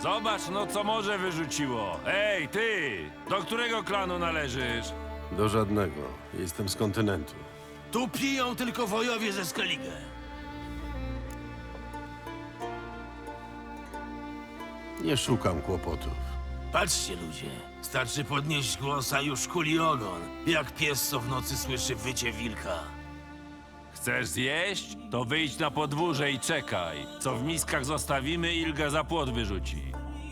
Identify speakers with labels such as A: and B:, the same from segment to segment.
A: Zobacz no, co morze wyrzuciło. Ej, ty! Do którego klanu należysz?
B: Do żadnego. Jestem z kontynentu.
C: Tu piją tylko wojowie ze Skellige.
B: Nie szukam kłopotów.
C: Patrzcie, ludzie. Starczy podnieść głos, a już kuli ogon. Jak pies, co w nocy słyszy wycie wilka.
A: Chcesz zjeść? To wyjdź na podwórze i czekaj. Co w miskach zostawimy, Ilga za płot wyrzuci.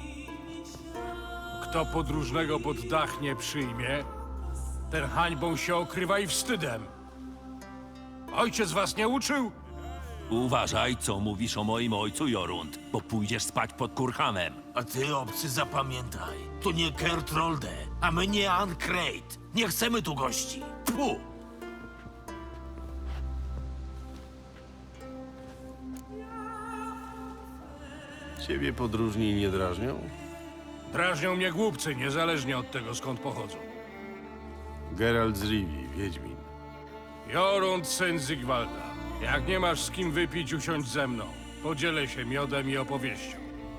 D: Kto podróżnego pod dach nie przyjmie, ten hańbą się okrywa i wstydem. Ojciec was nie uczył?
A: Uważaj, co mówisz o moim ojcu, Jorund, bo pójdziesz spać pod kurhamem.
C: A ty, obcy, zapamiętaj. Tu nie Kertrolde, a my nie Ankreit. Nie chcemy tu gości. Pu!
B: Ciebie podróżni nie drażnią?
D: Drażnią mnie głupcy, niezależnie od tego, skąd pochodzą.
B: Geralt z Rivii, Wiedźmin.
D: Jorund, syn Zygwalda. Jak nie masz z kim wypić, usiądź ze mną. Podzielę się miodem i opowieścią.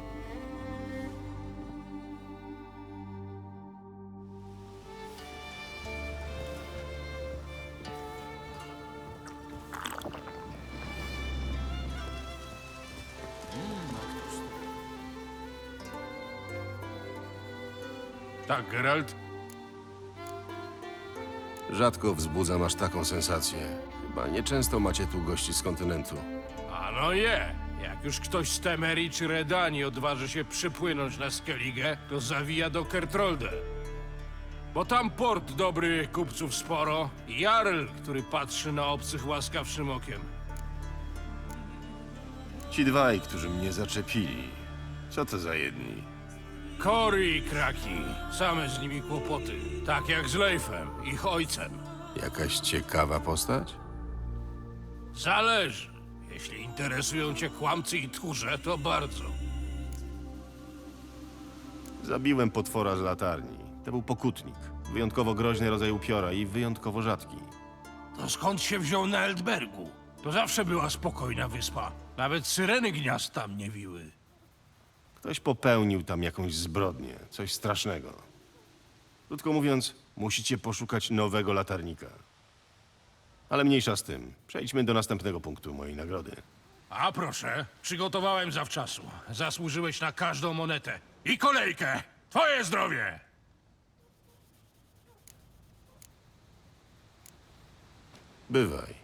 D: Tak, Geralt?
B: Rzadko wzbudzam aż taką sensację. Chyba nieczęsto macie tu gości z kontynentu.
D: A no je! Jak już ktoś z Temerii czy Redanii odważy się przypłynąć na Skellige, to zawija do Kertrolde. Bo tam port dobrych kupców sporo i Jarl, który patrzy na obcych łaskawszym okiem.
B: Ci dwaj, którzy mnie zaczepili. Co to za jedni?
D: Cory i Kraki, same z nimi kłopoty. Tak jak z Leifem, ich ojcem.
B: Jakaś ciekawa postać?
D: Zależy. Jeśli interesują cię kłamcy i tchórze, to bardzo.
B: Zabiłem potwora z latarni. To był pokutnik. Wyjątkowo groźny rodzaj upiora i wyjątkowo rzadki.
D: To skąd się wziął na Eldbergu? To zawsze była spokojna wyspa. Nawet syreny gniazd tam nie wiły.
B: Ktoś popełnił tam jakąś zbrodnię, coś strasznego. Krótko mówiąc, musicie poszukać nowego latarnika. Ale mniejsza z tym. Przejdźmy do następnego punktu mojej nagrody.
D: A proszę, przygotowałem zawczasu. Zasłużyłeś na każdą monetę. I kolejkę! Twoje zdrowie!
B: Bywaj.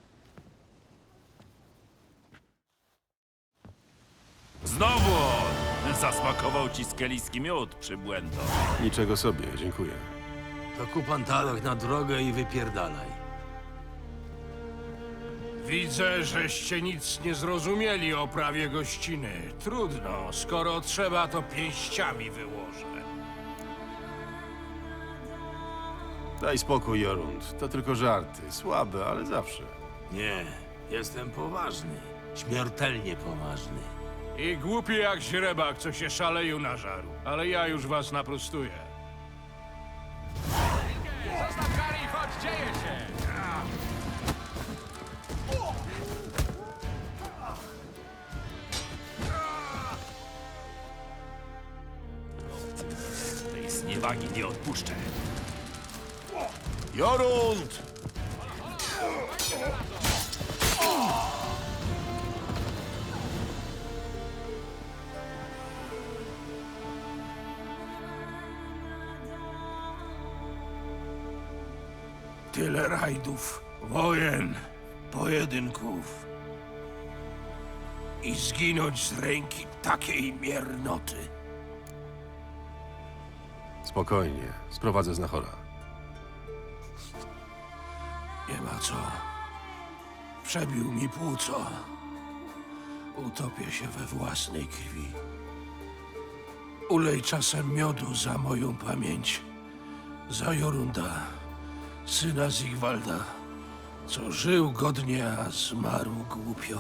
A: Znowu on! Zasmakował ci skeliski miód, przybłędo.
B: Niczego sobie, dziękuję.
C: To kup pantalach na drogę i wypierdalaj.
D: Widzę, żeście nic nie zrozumieli o prawie gościny. Trudno, skoro trzeba, to pięściami wyłożę.
B: Daj spokój, Jorund. To tylko żarty. Słabe, ale zawsze.
C: Nie, jestem poważny. Śmiertelnie poważny.
D: I głupi jak źrebak, co się szaleju nażarł. Ale ja już was naprostuję.
A: Tej zniewagi nie odpuszczę.
B: Jorund!
D: Tyle rajdów, wojen, pojedynków. I zginąć z ręki takiej miernoty.
B: Spokojnie. Sprowadzę znachora.
D: Nie ma co. Przebił mi płuco. Utopię się we własnej krwi. Ulej czasem miodu za moją pamięć. Za Jorunda, syna Zygwalda, co żył godnie, a zmarł głupio.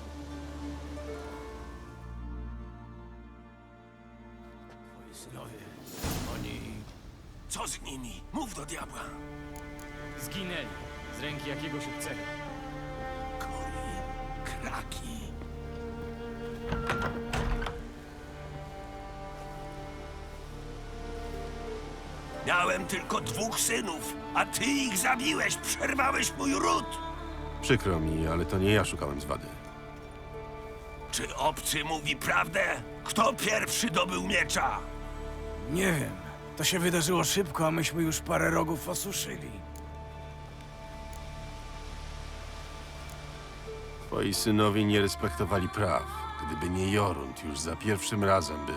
D: Twoi synowie, oni... Co z nimi? Mów do diabła.
E: Zginęli z ręki jakiegoś obcego.
D: Cory, Kraki.
C: Miałem tylko 2 synów, a ty ich zabiłeś, przerwałeś mój ród.
B: Przykro mi, ale to nie ja szukałem zwady.
C: Czy obcy mówi prawdę? Kto pierwszy dobył miecza?
F: Nie wiem. To się wydarzyło szybko, a myśmy już parę rogów osuszyli.
B: Twoi synowie nie respektowali praw. Gdyby nie Jorund już za pierwszym razem by...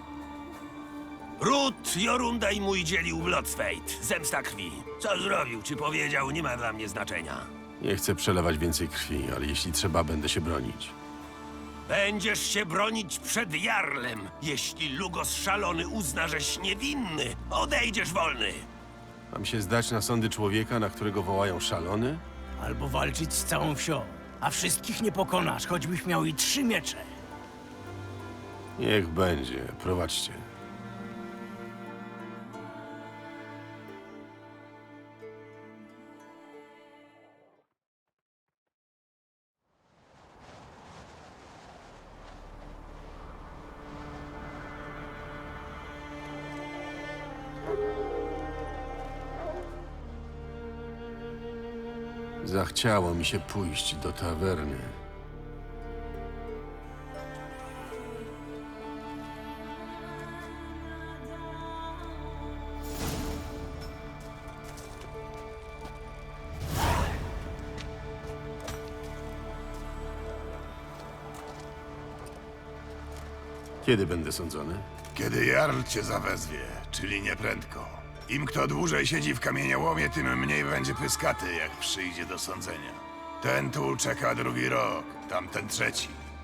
C: Ród Jorunda i mój dzielił w Lodsfeit. Zemsta krwi. Co zrobił, czy powiedział, nie ma dla mnie znaczenia.
B: Nie chcę przelewać więcej krwi, ale jeśli trzeba, będę się bronić.
C: Będziesz się bronić przed Jarlem. Jeśli Lugos szalony uzna, żeś niewinny, odejdziesz wolny.
B: Mam się zdać na sądy człowieka, na którego wołają szalony?
F: Albo walczyć z całą wsią. A wszystkich nie pokonasz, choćbyś miał i 3 miecze.
B: Niech będzie, prowadźcie. Zachciało mi się pójść do tawerny. Kiedy będę sądzony?
G: Kiedy Jarl cię zawezwie, czyli nieprędko. Im kto dłużej siedzi w kamieniołomie, tym mniej będzie pyskaty, jak przyjdzie do sądzenia. Ten tu czeka 2. rok, tamten 3.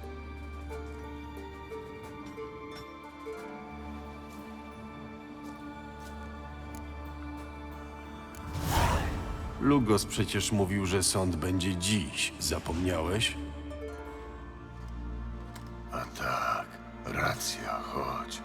B: Lugos przecież mówił, że sąd będzie dziś. Zapomniałeś?
G: A tak, racja, chodź.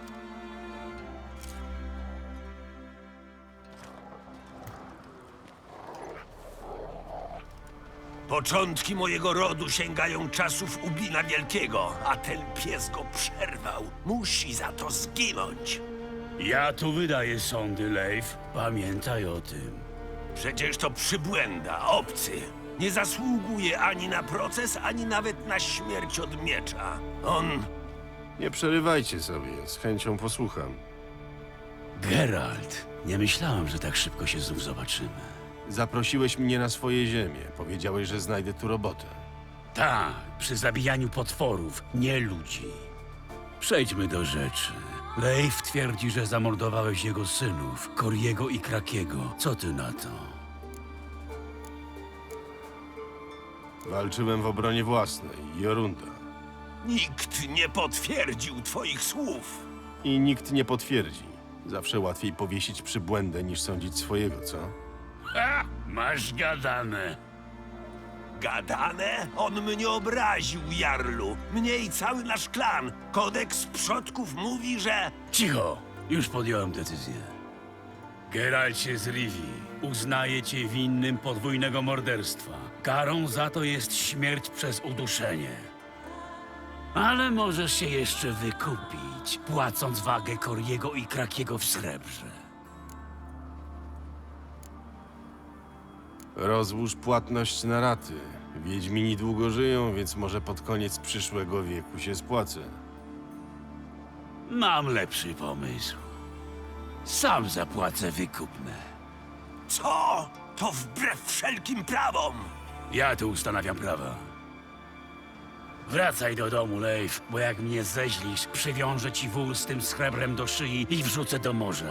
C: Początki mojego rodu sięgają czasów Ubina Wielkiego, a ten pies go przerwał. Musi za to zginąć.
H: Ja tu wydaję sądy, Leif. Pamiętaj o tym.
C: Przecież to przybłęda, obcy. Nie zasługuje ani na proces, ani nawet na śmierć od miecza. On...
B: Nie przerywajcie sobie, z chęcią posłucham.
H: Geralt, nie myślałem, że tak szybko się znów zobaczymy.
B: Zaprosiłeś mnie na swoje ziemię. Powiedziałeś, że znajdę tu robotę.
H: Tak, przy zabijaniu potworów, nie ludzi. Przejdźmy do rzeczy. Leif twierdzi, że zamordowałeś jego synów, Koriego i Krakiego. Co ty na to?
B: Walczyłem w obronie własnej, Jorunda.
C: Nikt nie potwierdził twoich słów.
B: I nikt nie potwierdzi. Zawsze łatwiej powiesić przybłędę, niż sądzić swojego, co?
H: Ha! Masz gadane.
C: Gadane? On mnie obraził, Jarlu. Mnie i cały nasz klan. Kodeks przodków mówi, że...
H: Cicho! Już podjąłem decyzję. Geralcie z Rivii, uznaję cię winnym podwójnego morderstwa. Karą za to jest śmierć przez uduszenie. Ale możesz się jeszcze wykupić, płacąc wagę Koriego i Krakiego w srebrze.
B: Rozłóż płatność na raty. Wiedźmini długo żyją, więc może pod koniec przyszłego wieku się spłacę.
H: Mam lepszy pomysł. Sam zapłacę wykupne.
C: Co? To wbrew wszelkim prawom.
H: Ja tu ustanawiam prawa. Wracaj do domu, Leif, bo jak mnie zeźlisz, przywiążę ci wół z tym srebrem do szyi i wrzucę do morza.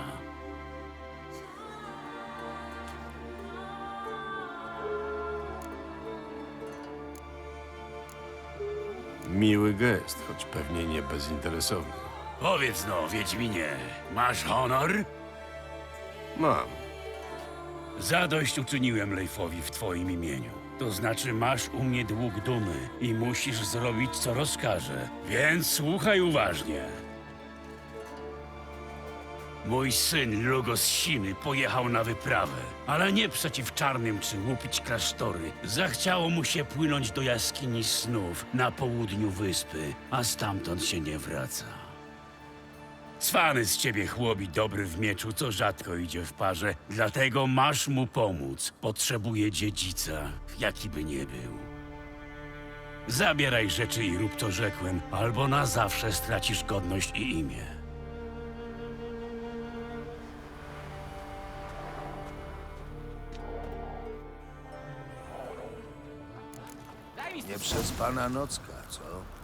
B: Miły gest, choć pewnie nie bezinteresowny.
H: Powiedz no, Wiedźminie, masz honor?
B: Mam.
H: Zadośćuczyniłem Leifowi w twoim imieniu. To znaczy masz u mnie dług dumy i musisz zrobić, co rozkażę. Więc słuchaj uważnie. Mój syn Lugos Siny pojechał na wyprawę, ale nie przeciw czarnym czy łupić klasztory. Zachciało mu się płynąć do jaskini snów na południu wyspy, a stamtąd się nie wraca. Cwany z ciebie chłopi dobry w mieczu, co rzadko idzie w parze. Dlatego masz mu pomóc. Potrzebuje dziedzica, jaki by nie był. Zabieraj rzeczy i rób to rzekłem, albo na zawsze stracisz godność i imię.
I: Nie przez pana nocka, co?